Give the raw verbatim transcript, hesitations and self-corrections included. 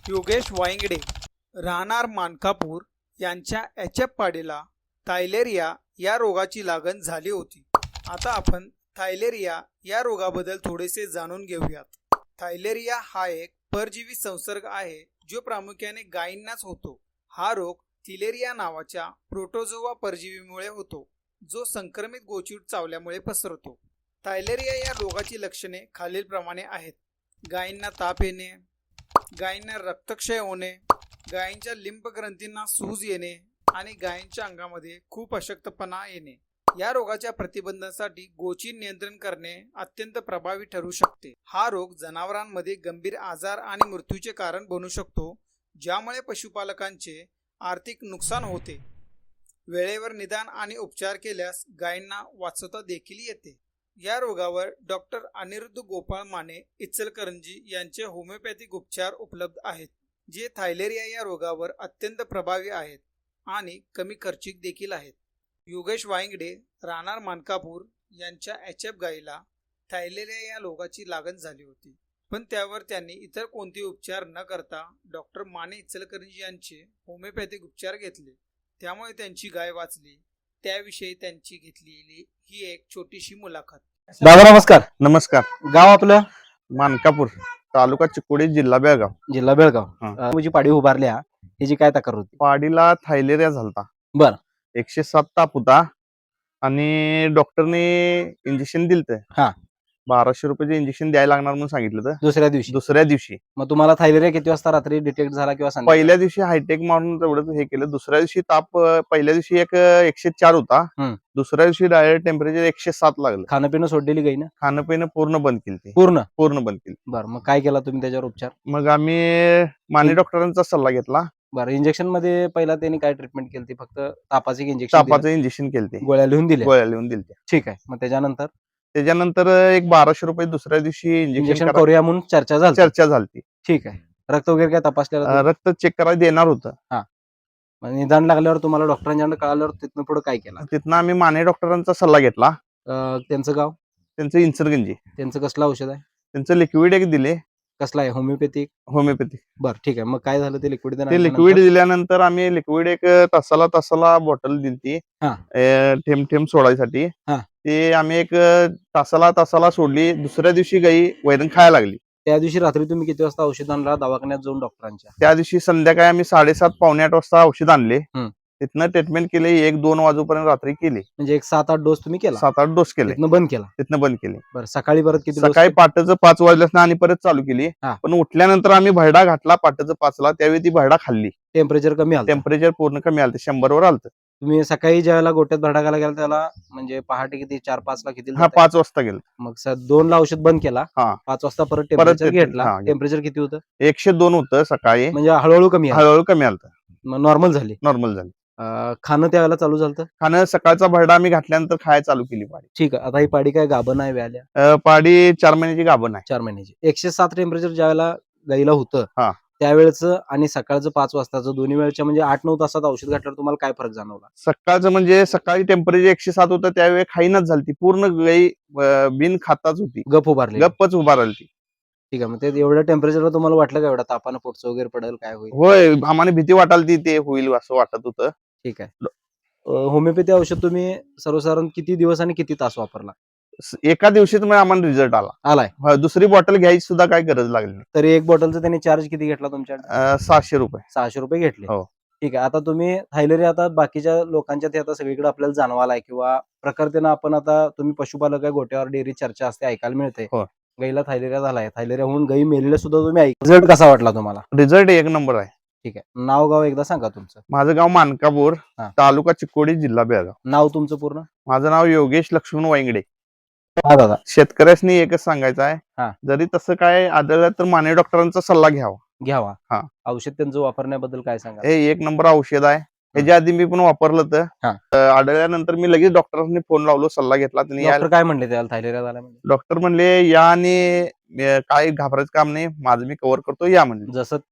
योगेश वायंगडे राहणार मानकापूर यांच्या H F पाडीला theileria या रोगाची लागण झाली होती. आता आपण थायलेरिया या रोगाबद्दल थोडेसे जाणून घेऊयात. थायलेरिया हा एक परजीवी संसर्ग आहे जो प्रामुख्याने गायींनाच होतो. हा रोग थिलेरिया नावाच्या प्रोटोझोआ परजीवीमुळे होतो जो संक्रमित गोचीड चावल्यामुळे पसरतो. थायलेरिया या रोगाची लक्षणे खालीलप्रमाणे आहेत. गायींना ताप येणे, गायींना रक्तक्षय होणे, गायींच्या लिंब ग्रंथींना सूज येणे आणि गायींच्या अंगामध्ये खूप अशक्तपणा येणे. या रोगाच्या प्रतिबंधासाठी गोचीड नियंत्रण करणे अत्यंत प्रभावी ठरू शकते. हा रोग जनावरांमध्ये गंभीर आजार आणि मृत्यूचे कारण बनू शकतो, ज्यामुळे पशुपालकांचे आर्थिक नुकसान होते. वेळेवर निदान आणि उपचार केल्यास गायींना वाचवता देखील येते. या रोगावर डॉक्टर अनिरुद्ध गोपाळ माने इचलकरंजी यांचे होमिओपॅथिक उपचार उपलब्ध आहेत, जे थायलेरिया या रोगावर अत्यंत प्रभावी आहेत आणि कमी खर्चिक देखील आहेत. योगेश वायंगडे राहणार मानकापूर यांच्या एच एफ गाईला थायलेरिया या रोगाची लागण झाली होती, पण त्यावर त्यांनी इतर कोणते उपचार न करता डॉक्टर माने इचलकरंजी यांचे होमिओपॅथिक उपचार घेतले. त्यामुळे त्यांची गाय वाचली. त्याविषयी त्यांची घेतलेली ही एक छोटीशी मुलाखत. दादा नमस्कार. नमस्कार. गाव आपलं? मानकापूर, तालुका चिकोडी, जिल्हा बेळगाव. जिल्हा बेळगाव. हा. तुझी पाडी उभारल्या ह्याची काय तक्रार होती? पाडीला थायलेरिया झालता. बर. एकशे सात ताप होता आणि डॉक्टरने इंजेक्शन दिलत. हा. बाराशे रुपयाचे इंजेक्शन द्यायला लागणार म्हणून सांगितलं होतं. दुसऱ्या दिवशी दुसऱ्या दिवशी मग तुम्हाला थायलेरिया किती वाजता रात्री डिटेक्ट झाला किंवा संध्याकाळी? पहिल्या दिवशी हायटेक मारून तेवढं हे केलं. दुसऱ्या दिवशी ताप अं, पहिल्या दिवशी एक अं, एकशे चार होता. हम्म. दुसऱ्या दिवशी डायरेक्ट टेम्परेचर एकशे सात लागलं. खाणं पिणं सोडलेली गाई ना? खाणं पिणं पूर्ण बंद केली. पूर्ण पूर्ण बंद केली. बर. मग काय केला तुम्ही त्याच्यावर उपचार? मग आम्ही माने हम्म. डॉक्टरांचा सल्ला घेतला. बरं. इंजेक्शन मध्ये पहिला त्यांनी काय ट्रीटमेंट केली? फक्त तापाचे इंजेक्शन, तापाचं इंजेक्शन केलं, गोळ्या लिहून दिल्या? गोळ्या लिहून दिल्या. ठीक आहे. मग त्याच्यानंतर त्याच्यानंतर एक बाराशे रुपये दुसऱ्या दिवशी इंजेक्शन इंजेक्शन करूया म्हणून चर्चा झाली. चर्चा झाली. ठीक आहे. रक्त वगैरे काय तपासलेलं? रक्त चेक करायला देणार होतं. मग निदान लागल्यावर तुम्हाला डॉक्टरांच्याकडे कळाल्यावर तिथनं पुढे काय केलं? तिथनं आम्ही माने डॉक्टरांचा सल्ला घेतला. अं, त्यांचं गाव? त्यांचं इन्सर्गंजी. त्यांचं कसलं औषध आहे? त्यांचं लिक्विड एक दिले, कसलं आहे? होमिओपॅथिक? होमिओपॅथी. बरं. ठीक आहे. मग काय झालं ते लिक्विड? ते लिक्विड दिल्यानंतर आम्ही लिक्विड एक तासाला तासाला बॉटल दिली हा. थेंब थेंब सोडायसाठी. हा. ते आम्ही एक तासाला तासाला सोडली. दुसऱ्या दिवशी गाई वैरण खायला लागली. त्या दिवशी रात्री तुम्ही किती वाजता औषध आणला दवाखान्यात जाऊन डॉक्टरांच्या? त्या दिवशी संध्याकाळी आम्ही साडेसात पावणे आठ वाजता औषध आणले. हम्म. तिथनं ट्रीटमेंट केली. एक दोन वाजूपर्यंत रात्री केली. म्हणजे एक सात आठ डोस तुम्ही केला? सात आठ डोस केले. तिथनं बंद केला? तिथनं बंद केले. बरं. सकाळी परत किती डोस? सकाळी पाटाचं पाच वाजल्यास आणि परत चालू केली. हा. पण उठल्यानंतर आम्ही भरडा घातला पाटाचं पाचला. त्यावेळी ती भरडा खाल्ली. टेम्परेचर कमी आलं? टेम्परेचर पूर्ण कमी आलं, शंभर वर आलं. तुम्ही सकाळी ज्यावेळेला गोट्यात भरडा घाला गेला त्याला म्हणजे पहाटे किती? चार पाच ला किती? हा, पाच वाजता गेलो. मग स- दोन ला औषध बंद केला. हा. पाच वाजता परत टेम्परेचर ते- घेतला. हा, टेम्परेचर किती होतं? एकशे दोन होतं सकाळी. म्हणजे हळूहळू कमी आलं? हळूहळू कमी आलं, मग नॉर्मल झाली? नॉर्मल झालं. अं, खाणं त्यावेळेला चालू झालं? खाणं सकाळचा भरडा आम्ही घातल्यानंतर खायला चालू केली पाडी. ठीक आहे. आता ही पाडी काय गाभण आहे व्याल्या? अं, पाडी चार महिन्याची गाभण आहे. चार महिन्याची. एकशे सात टेम्परेचर ज्यावेळेला गाईला होतं हा. त्यावेळेच आणि सकाळचं पाच वाजताचं दोन्ही वेळच्या म्हणजे आठ नऊ तासात औषध घातल्यावर तुम्हाला काय फरक जाणवला? सकाळचं म्हणजे सकाळी टेम्परेचर एकशे सात होतं त्यावेळी खाईनच झाली. पूर्ण गाई अं, बिन खाताच होती. गप उभारले? गप्पच उभा राहिली. ठीक आहे. मग ते एवढ्या टेम्परेचरला तुम्हाला वाटलं का एवढा तापानं पोटचं वगैरे पडेल काय होईल? होय, आम्हाला भीती वाटाली ते होईल असं वाटत होतं. ठीक आहे. अं, होमिओपॅथी औषध तुम्ही सर्वसाधारण किती दिवस आणि किती तास वापरला? स- एका दिवशीच म्हणजे आम्हाला रिझल्ट आला. आलाय? हा, दुसरी बॉटल घ्यायची सुद्धा काही गरज लागली नाही. तरी एक बॉटलचा त्यांनी चार्ज किती घेतला तुमच्याकडे? अं, सहाशे रुपये. सहाशे रुपये घेतले. हो. ठीक आहे. आता तुम्ही थायलेरिया आता बाकीच्या लोकांच्या ते आता सगळीकडे आपल्याला जाणवालाय किंवा प्रकारतेनं आपण आता तुम्ही पशुपालक आहे गोट्यावर डेअरी चर्चा असते ऐकायला मिळते. हो. गाईला थायलेरिया झालाय, थायलेरिया होऊन गाई मेलेल्या सुद्धा तुम्ही ऐक. रिझल्ट कसा वाटला तुम्हाला? रिझल्ट एक नंबर आहे. ठीक आहे. नाव गाव एकदा सांगा तुमचं. माझं गाव मानकापूर, हा. तालुका चिकोडी, जिल्हा बेळगाव. नाव तुमचं पूर्ण? माझं नाव योगेश लक्ष्मण वायंगडे. हा दादा. शेतकऱ्यासनी एकच सांगायचं हा. आहे, जरी तसं काय आढळलं तर माने डॉक्टरांचा सल्ला घ्यावा. घ्यावा. हा. औषध त्यांचं वापरण्याबद्दल काय सांगा? हे एक नंबर औषध आहे. ह्याच्या आधी मी पण वापरलं तर हा. अं, आढळल्यानंतर मी लगेच डॉक्टरांनी फोन लावलो, सल्ला घेतला. त्यांनी डॉक्टर काय म्हणले त्याला थायलेरिया झाला म्हणजे? डॉक्टर म्हणले या आणि अं, काय घाबरायचं काम नाही, माझं मी कव्हर करतो, या म्हणले. जसं